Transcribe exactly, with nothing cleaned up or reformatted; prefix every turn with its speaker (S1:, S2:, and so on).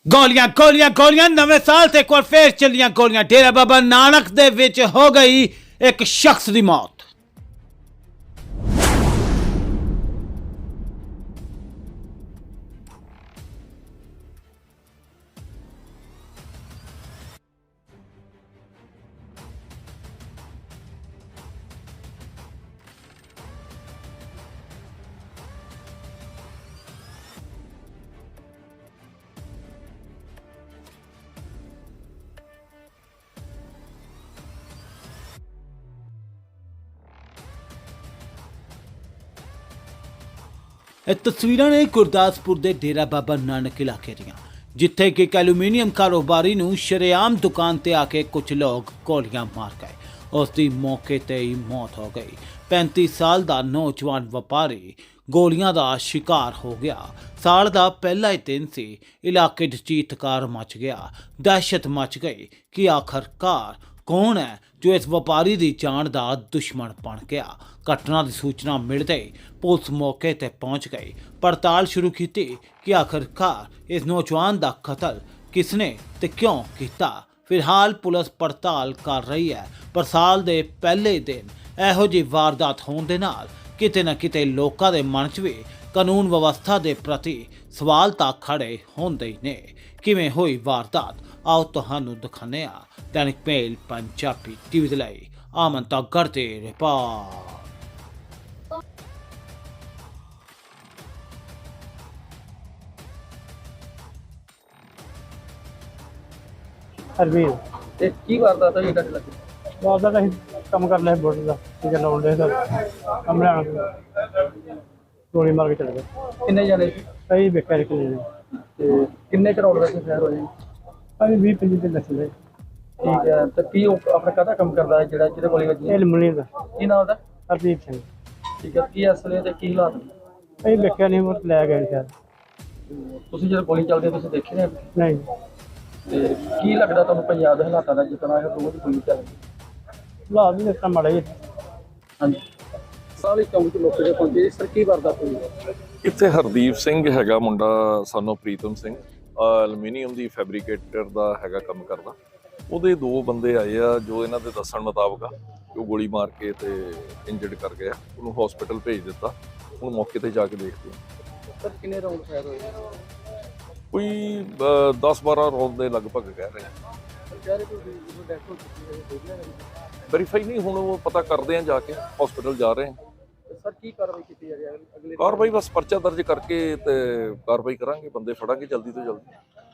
S1: ਗੋਲੀਆਂ ਗੋਲੀਆਂ ਗੋਲੀਆਂ ਨਵੇਂ ਸਾਲ ਤੇ ਇੱਕ ਵਾਰ ਫੇਰ ਚੱਲੀਆਂ ਗੋਲੀਆਂ। ਡੇਰਾ ਬਾਬਾ ਨਾਨਕ ਦੇ ਵਿੱਚ ਹੋ ਗਈ ਇੱਕ ਸ਼ਖਸ ਦੀ ਮੌਤ। ਇਹ ਤਸਵੀਰਾਂ ਨੇ ਗੁਰਦਾਸਪੁਰ ਦੇ ਡੇਰਾ ਬਾਬਾ ਨਾਨਕ ਇਲਾਕੇ ਦੀਆਂ, ਜਿੱਥੇ ਕਿ ਇੱਕ ਐਲੂਮੀਨੀਅਮ ਕਾਰੋਬਾਰੀ ਨੂੰ ਸ਼ਰੇਆਮ ਦੁਕਾਨ ਤੇ ਆ ਕੇ ਕੁਝ ਲੋਕ ਗੋਲੀਆਂ ਮਾਰ ਗਏ। ਉਸ ਦੀ ਮੌਕੇ ਤੇ ਹੀ ਮੌਤ ਹੋ ਗਈ। ਪੈਂਤੀ ਸਾਲ ਦਾ ਨੌਜਵਾਨ ਵਪਾਰੀ ਗੋਲੀਆਂ ਦਾ ਸ਼ਿਕਾਰ ਹੋ ਗਿਆ। ਸਾਲ ਦਾ ਪਹਿਲਾ ਹੀ ਦਿਨ ਸੀ, ਇਲਾਕੇ 'ਚ ਚੀਤਕਾਰ ਮਚ ਗਿਆ। ਦਹਿਸ਼ਤ ਮਚ ਗਈ ਕਿ ਆਖਰਕਾਰ ਕੌਣ ਹੈ ਜੋ ਇਸ ਵਪਾਰੀ ਦੀ ਜਾਨ ਦਾ ਦੁਸ਼ਮਣ ਬਣ ਗਿਆ। ਘਟਨਾ ਦੀ ਸੂਚਨਾ ਮਿਲਦੇ ਹੀ ਪੁਲਿਸ ਮੌਕੇ ਤੇ ਪਹੁੰਚ ਗਈ। ਪੜਤਾਲ ਸ਼ੁਰੂ ਕੀਤੀ ਕਿ ਆਖਰਕਾਰ ਇਸ ਨੌਜਵਾਨ ਦਾ ਕਤਲ ਕਿਸਨੇ ਤੇ ਕਿਉਂ ਕੀਤਾ। ਫਿਲਹਾਲ ਪੁਲਿਸ ਪੜਤਾਲ ਕਰ ਰਹੀ ਹੈ, ਪਰ ਸਾਲ ਦੇ ਪਹਿਲੇ ਦਿਨ ਇਹੋ ਜਿਹੀ ਵਾਰਦਾਤ ਹੋਣ ਦੇ ਨਾਲ ਕਿਤੇ ਨਾ ਕਿਤੇ ਲੋਕਾਂ ਦੇ ਮਨ 'ਚ ਵੀ ਕਾਨੂੰਨ ਵਿਵਸਥਾ ਦੇ ਪ੍ਰਤੀ ਸਵਾਲ ਤਾਂ ਖੜੇ ਹੁੰਦੇ ਹੀ ਨੇ। ਕਿਵੇਂ ਹੋਈ ਵਾਰਦਾਤ, ਆਓ ਤੁਹਾਨੂੰ ਦਿਖਾਉਂਦੇ ਹਾਂ। दैनिक मेल पंजाबी टीवी ਦੇ ਲਈ ਆਮਨ ਤਾਗੜ ਤੇ ਰਿਪੋਰਟ।
S2: ਹਰਵੀਰ
S3: ਤੇ ਕੀ ਵਾਰਦਾਤ ਹੋਈ ਤੁਹਾਡੇ ਲੱਗੇ?
S2: ਬਾਅਦ ਦਾ ਅਸੀਂ ਕੰਮ ਕਰ ਲਿਆ ਬੋਟ ਦਾ ਠੀਕ ਹੈ, ਲਾਉਣ ਦੇ ਸਰ ਕੰਮ ਲੈਣ ਗੋਲੀ ਮਾਰ ਕੇ ਚਲੇ ਗਏ।
S3: ਕਿੰਨੇ ਜਾਣੇ ਸੀ
S2: ਅਸੀਂ ਵੇਖਿਆ ਇੱਕ ਨੇ
S3: ਤੇ ਕਿੰਨੇ ਕਰੋੜ ਵੈਸੇ ਫੈਰ ਹੋਏ?
S2: ਅਸੀਂ ਵੀਹ ਪੰਜੀ ਤੇ ਦੱਸਦੇ।
S3: ਠੀਕ ਹੈ, ਤੇ ਕੀ ਉਹ ਆਪਣਾ ਕਾਹਦਾ ਕੰਮ ਕਰਦਾ ਹੈ ਜਿਹੜਾ ਜਿਹਦੇ ਕੋਲ ਵੱਜੀ?
S2: ਇਹ ਲਮਣੀ ਦਾ
S3: ਕੀ ਨਾਮ ਉਹਦਾ?
S2: ਹਰਦੀਪ ਸਿੰਘ।
S3: ਠੀਕ ਹੈ, ਕੀ ਅਸਲੇ ਤੇ ਕੀ ਹਾਲਾਤ ਨੇ?
S2: ਅਸੀਂ ਵੇਖਿਆ ਨਹੀਂ, ਉਹ ਲੈ ਗਏ ਸ਼ਾਇਦ।
S3: ਤੁਸੀਂ ਜਦੋਂ ਗੋਲੀ ਚੱਲਦੀ ਤੁਸੀਂ ਦੇਖੇ ਨੇ?
S2: ਨਹੀਂ
S3: ਤੇ ਕੀ ਲੱਗਦਾ ਤੁਹਾਨੂੰ ਪੰਜਾਬ ਦੇ ਹਾਲਾਤਾਂ ਦਾ, ਜਿਸ ਤਰ੍ਹਾਂ ਇਹ ਰੋਜ਼ ਗੋਲੀ ਚੱਲਦੀ?
S2: ਲਾ ਵੀ ਦਿੱਤਾ ਮਾੜਾ ਜੀ।
S3: ਹਾਂਜੀ, ਸਾਲੀ ਚੌਂਕ ਚ ਲੋਕ ਜੇ ਪਹੁੰਚੇ, ਇਸ ਤਰ੍ਹਾਂ ਕੀ ਵਾਰਦਾਤ ਹੋਈ?
S4: ਇੱਥੇ ਹਰਦੀਪ ਸਿੰਘ ਹੈਗਾ ਮੁੰਡਾ, ਸਾਨੂੰ ਪ੍ਰੀਤਮ ਸਿੰਘ, ਐਲੂਮੀਨੀਅਮ ਦੀ ਫੈਬਰੀਕੇਟਰ ਦਾ ਹੈਗਾ ਕੰਮ ਕਰਦਾ। ਉਹਦੇ ਦੋ ਬੰਦੇ ਆਏ ਆ ਜੋ ਇਹਨਾਂ ਦੇ ਦੱਸਣ ਮੁਤਾਬਕ ਆ ਉਹ ਗੋਲੀ ਮਾਰ ਕੇ ਤੇ ਇੰਜਰਡ ਕਰ ਗਿਆ। ਉਹਨੂੰ ਹਸਪੀਟਲ ਭੇਜ ਦਿੱਤਾ। ਹੁਣ ਮੌਕੇ ਤੇ ਜਾ ਕੇ ਦੇਖਦੇ ਹਾਂ।
S3: ਸਰ ਕਿੰਨੇ ਰਾਉਂਡ ਫਾਇਰ ਹੋਏ?
S4: ਕੋਈ ਦਸ ਬਾਰਾਂ ਰੌਂਦ ਦੇ ਲਗਭਗ ਕਹਿ ਰਹੇ ਆ। ਵੈਰੀਫਾਈ ਨਹੀਂ, ਹੁਣ ਉਹ ਪਤਾ ਕਰਦੇ ਆ, ਜਾ ਕੇ ਹਸਪੀਟਲ ਜਾ ਰਹੇ ਆ।
S3: ਸਰ ਕੀ ਕਾਰਵਾਈ ਕੀਤੀ ਜਾ ਰਹੀ ਹੈ ਅਗਲੇ?
S4: ਕਾਰਵਾਈ ਬਸ ਪਰਚਾ ਦਰਜ ਕਰਕੇ ਤੇ ਕਾਰਵਾਈ ਕਰਾਂਗੇ, ਬੰਦੇ ਫੜਾਂਗੇ ਜਲਦੀ ਤੋਂ ਜਲਦੀ।